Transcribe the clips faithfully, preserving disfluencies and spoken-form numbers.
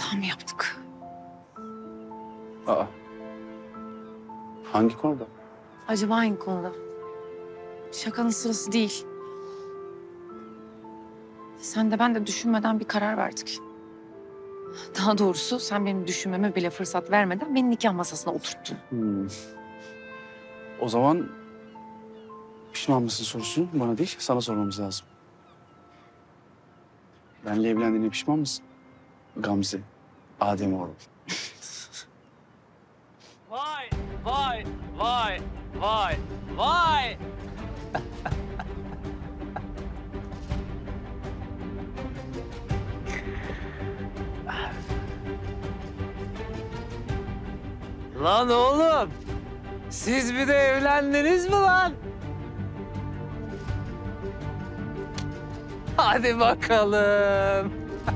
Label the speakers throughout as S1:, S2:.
S1: hata mı yaptık?
S2: Aa. Hangi konuda?
S1: Acaba hangi konuda? Şakanın sırası değil. Sen de ben de düşünmeden bir karar verdik. Daha doğrusu sen benim düşünmeme bile fırsat vermeden beni nikah masasına oturttun.
S2: Hmm. O zaman pişman mısın sorusunu bana değil, sana sormamız lazım. Benle evlendiğine pişman mısın? Gamze, Ademoğlu.
S3: Vay, vay, vay, vay, vay. Lan oğlum, siz bir de evlendiniz mi lan? Hadi bakalım.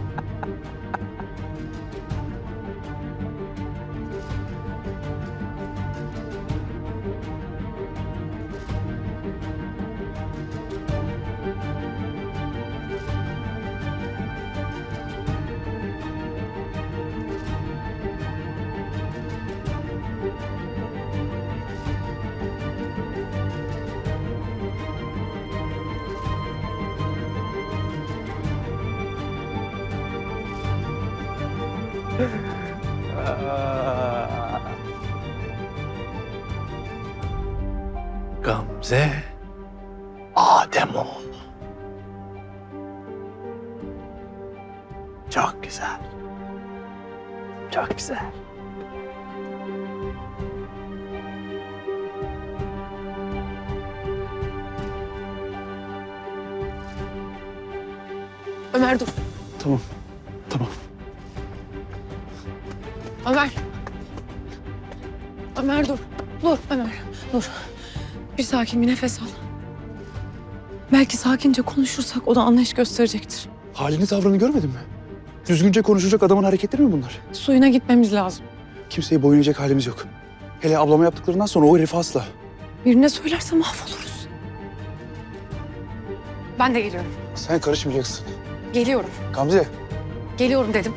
S3: Gamze Ademoğlu. Çok güzel. Çok güzel.
S1: Ömer dur.
S2: Tamam, tamam.
S1: Ömer. Ömer dur. Dur Ömer. Dur. Bir sakin bir nefes al. Belki sakince konuşursak o da anlayış gösterecektir.
S2: Halini tavrını görmedin mi? Düzgünce konuşacak adamın hareketleri mi bunlar?
S1: Suyuna gitmemiz lazım.
S2: Kimseye boyun eğecek halimiz yok. Hele ablama yaptıklarından sonra o herifi asla.
S1: Birine söylerse mahvoluruz. Ben de geliyorum.
S2: Sen karışmayacaksın.
S1: Geliyorum.
S2: Gamze.
S1: Geliyorum dedim.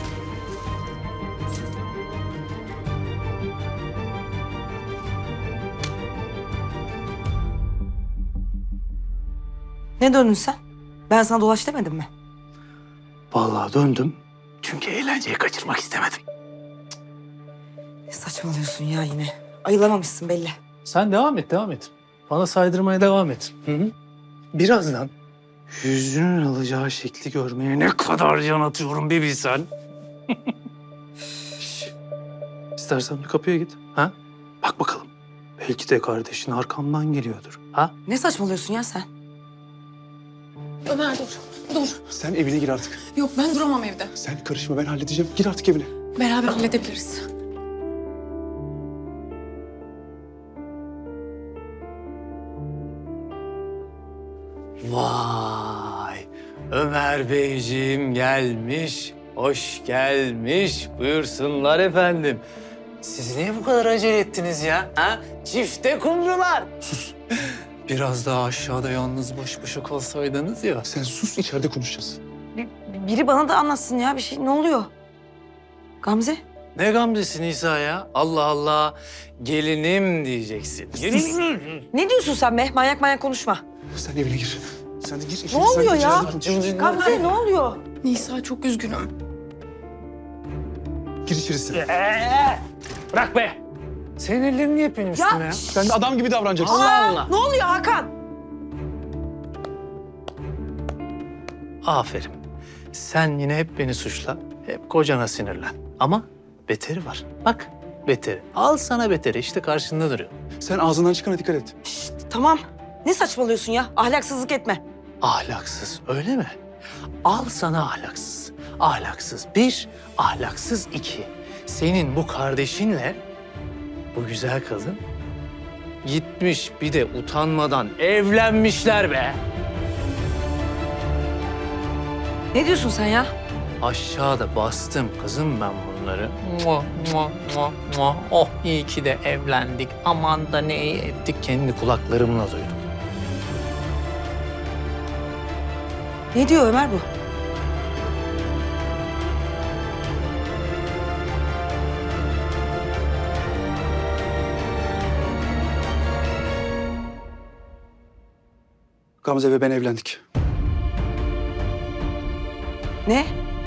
S4: Ne döndün sen? Ben sana dolaş demedim mi?
S3: Vallahi döndüm. Çünkü eğlenceyi kaçırmak istemedim.
S4: Ne saçmalıyorsun ya yine? Ayılamamışsın belli.
S3: Sen devam et, devam et. Bana saydırmaya devam et. Hı hı. Birazdan yüzünün alacağı şekli görmeye ne kadar can atıyorum bir bilsen. Şş. İstersen bir kapıya git. Ha? Bak bakalım. Belki de kardeşin arkamdan geliyordur. Ha?
S4: Ne saçmalıyorsun ya sen?
S1: Ömer dur. Dur.
S2: Sen evine gir artık.
S1: Yok ben duramam evde.
S2: Sen karışma, ben halledeceğim. Gir artık evine.
S1: Beraber halledebiliriz.
S3: Vay! Ömer Beyciğim gelmiş, hoş gelmiş. Buyursunlar efendim. Siz niye bu kadar acele ettiniz ya? Ha? Çifte kumrular. Sus. Biraz daha aşağıda yalnız baş başa kalsaydınız ya.
S2: Sen sus, içeride konuşacağız.
S4: Bir- biri bana da anlatsın ya bir şey. Ne oluyor? Gamze?
S3: Ne Gamze'si Nisa ya? Allah Allah. Gelinim diyeceksin. Gelinim.
S4: Ne diyorsun sen be? Manyak manyak konuşma.
S2: Sen evine gir. Sen de gir. içeri,
S4: Ne oluyor
S2: sen
S4: ya?
S2: içeride konuş.
S4: Gamze ne oluyor?
S1: Nisa çok üzgünüm.
S2: Gir içeri sen.
S3: Ee, bırak be. Senin ellerini niye benim üstüme ya?
S2: Sen de adam gibi davranacaksın.
S3: Allah Allah.
S4: Ne oluyor Hakan?
S3: Aferin. Sen yine hep beni suçla, hep kocana sinirlen. Ama beteri var. Bak, beteri. Al sana beteri, işte karşında duruyor.
S2: Sen ağzından çıkana dikkat et.
S4: Şşt, tamam. Ne saçmalıyorsun ya? Ahlaksızlık etme.
S3: Ahlaksız, öyle mi? Al sana ahlaksız. Ahlaksız bir, ahlaksız iki. Senin bu kardeşinle bu güzel kadın gitmiş bir de utanmadan evlenmişler be.
S4: Ne diyorsun sen ya?
S3: Aşağıda bastım kızım ben bunları. Mua, mua, mua, mua. Oh iyi ki de evlendik. Aman da ne iyi ettik. Kendi kulaklarımla duydum.
S4: Ne diyor Ömer bu?
S2: Gamze ve ben evlendik.
S4: Ne?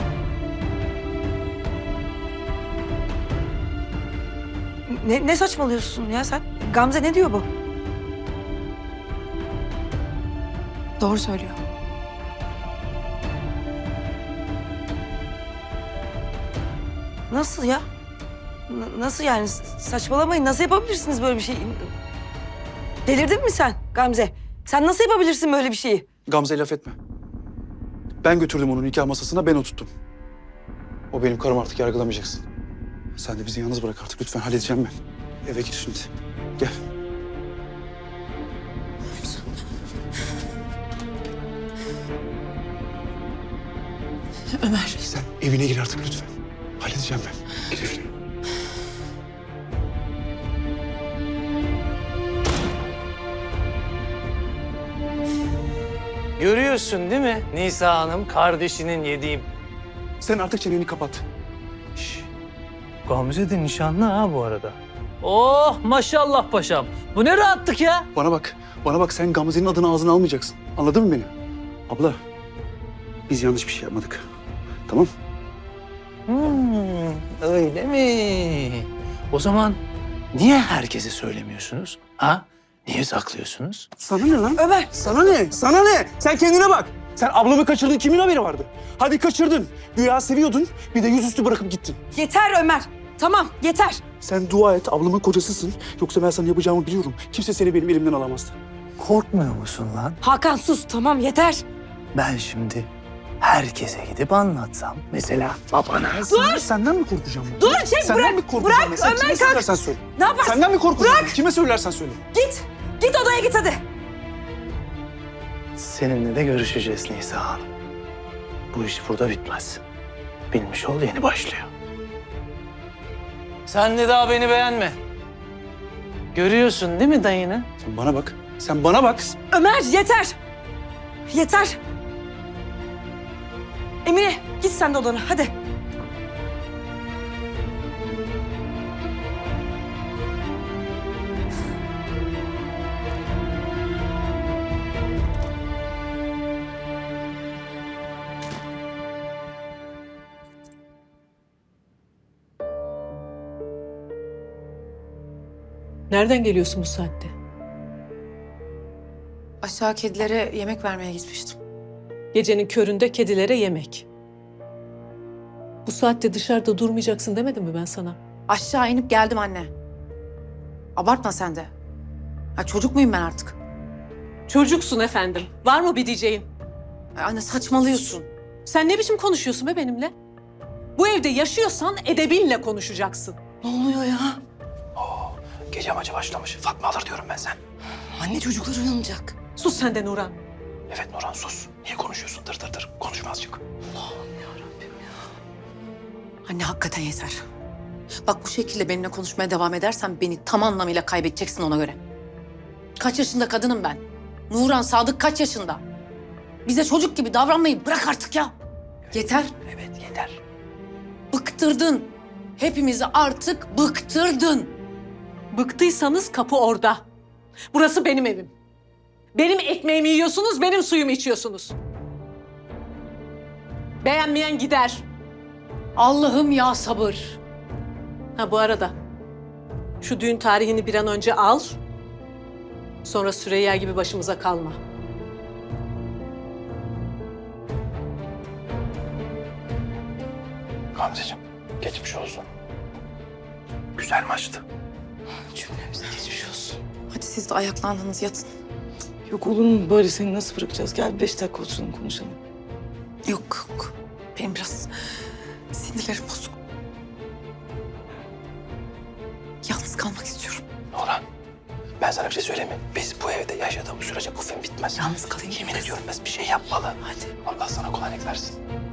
S4: Ne, ne saçmalıyorsun ya sen? Gamze ne diyor bu?
S1: Doğru söylüyor.
S4: Nasıl ya? N- nasıl yani? S- Saçmalamayın. Nasıl yapabilirsiniz böyle bir şey? Delirdin mi sen Gamze? Sen nasıl yapabilirsin böyle bir şeyi?
S2: Gamze'ye laf etme. Ben götürdüm onu nikah masasına, ben oturttum. O benim karım, artık yargılamayacaksın. Sen de bizi yalnız bırak artık lütfen, halledeceğim ben. Eve gir şimdi. Gel.
S1: Ömer.
S2: Sen evine gir artık lütfen. Halledeceğim ben. Gir evine.
S3: Görüyorsun değil mi Nisa Hanım, kardeşinin yediği...
S2: Sen artık çeneni kapat.
S3: Şş, Gamze de nişanlı ha bu arada. Oh maşallah paşam. Bu ne rahatlık ya.
S2: Bana bak. Bana bak, sen Gamze'nin adını ağzına almayacaksın. Anladın mı beni? Abla, biz yanlış bir şey yapmadık. Tamam?
S3: Hmm, öyle mi? O zaman niye herkese söylemiyorsunuz? Ha? Niye saklıyorsunuz?
S2: Sana ne lan?
S4: Ömer!
S2: Sana ne? Sana ne? Sen kendine bak. Sen ablamı kaçırdın, kimin haberi vardı? Hadi kaçırdın. Güya seviyordun, bir de yüzüstü bırakıp gittin.
S4: Yeter Ömer. Tamam yeter.
S2: Sen dua et, ablamın kocasısın. Yoksa ben sana yapacağımı biliyorum. Kimse seni benim elimden alamazdı.
S3: Korkmuyor musun lan?
S4: Hakan sus tamam yeter.
S3: Ben şimdi herkese gidip anlatsam. Mesela babana.
S2: Dur! Senden mi korkacağım? ben?
S4: Dur çek
S2: Senden
S4: bırak.
S2: mi korkacağım?
S4: Bırak
S2: ben? Sen
S4: Ömer
S2: kime
S4: kalk.
S2: söylersen söyle.
S4: Ne yaparsın?
S2: Senden mi korkacağım? Kime söylersen söyle.
S4: Git. Git odaya git hadi.
S3: Seninle de görüşeceğiz Nisa Hanım. Bu iş burada bitmez. Bilmiş ol, yeni başlıyor. Sen de daha beni beğenme. Görüyorsun değil mi dayını?
S2: Sen bana bak. Sen bana bak.
S4: Ömer yeter. Yeter. Emine git sen de odana hadi.
S5: Nereden geliyorsun bu saatte?
S1: Aşağı kedilere yemek vermeye gitmiştim.
S5: Gecenin köründe kedilere yemek. Bu saatte dışarıda durmayacaksın demedim mi ben sana?
S1: Aşağı inip geldim anne. Abartma sen de. Ha, çocuk muyum ben artık?
S5: Çocuksun efendim. Var mı bir diyeceğin?
S1: Ay, anne saçmalıyorsun.
S5: Sen ne biçim konuşuyorsun be benimle? Bu evde yaşıyorsan edebinle konuşacaksın.
S1: Ne oluyor ya?
S3: Gece amacı başlamış. Fatma alır diyorum ben sen.
S1: Anne çocuklar uyanacak.
S5: Sus sen de Nurhan.
S3: Evet Nurhan sus. Niye konuşuyorsun? Dır dır dır. Konuşma azıcık.
S1: Anne hakikaten yeter. Bak bu şekilde benimle konuşmaya devam edersen beni tam anlamıyla kaybedeceksin ona göre. Kaç yaşında kadınım ben? Nurhan, Sadık kaç yaşında? Bize çocuk gibi davranmayı bırak artık ya. Yeter.
S3: Evet yeter.
S1: Bıktırdın. Hepimizi artık bıktırdın.
S5: Bıktıysanız kapı orada. Burası benim evim. Benim ekmeğimi yiyorsunuz, benim suyumu içiyorsunuz. Beğenmeyen gider.
S1: Allah'ım ya sabır.
S5: Ha bu arada şu düğün tarihini bir an önce al. Sonra Süreyya gibi başımıza kalma.
S3: Gamzeciğim geçmiş olsun. Güzel maçtı.
S1: Cümlemize geçmiş olsun. Hadi siz de ayaklandınız yatın.
S4: Yok olur mu böyle seni nasıl bırakacağız? Gel beş dakika oturalım konuşalım.
S1: Yok yok. Benim biraz sinirlerim bozuk. Yalnız kalmak istiyorum.
S3: Nurhan ben sana bir şey söyleyeyim mi? Biz bu evde yaşadığımız sürece bu film bitmez.
S1: Yalnız kalayım.
S3: Yemin ediyorum biz bir şey yapmalı.
S1: Hadi.
S3: Allah sana kolaylık versin.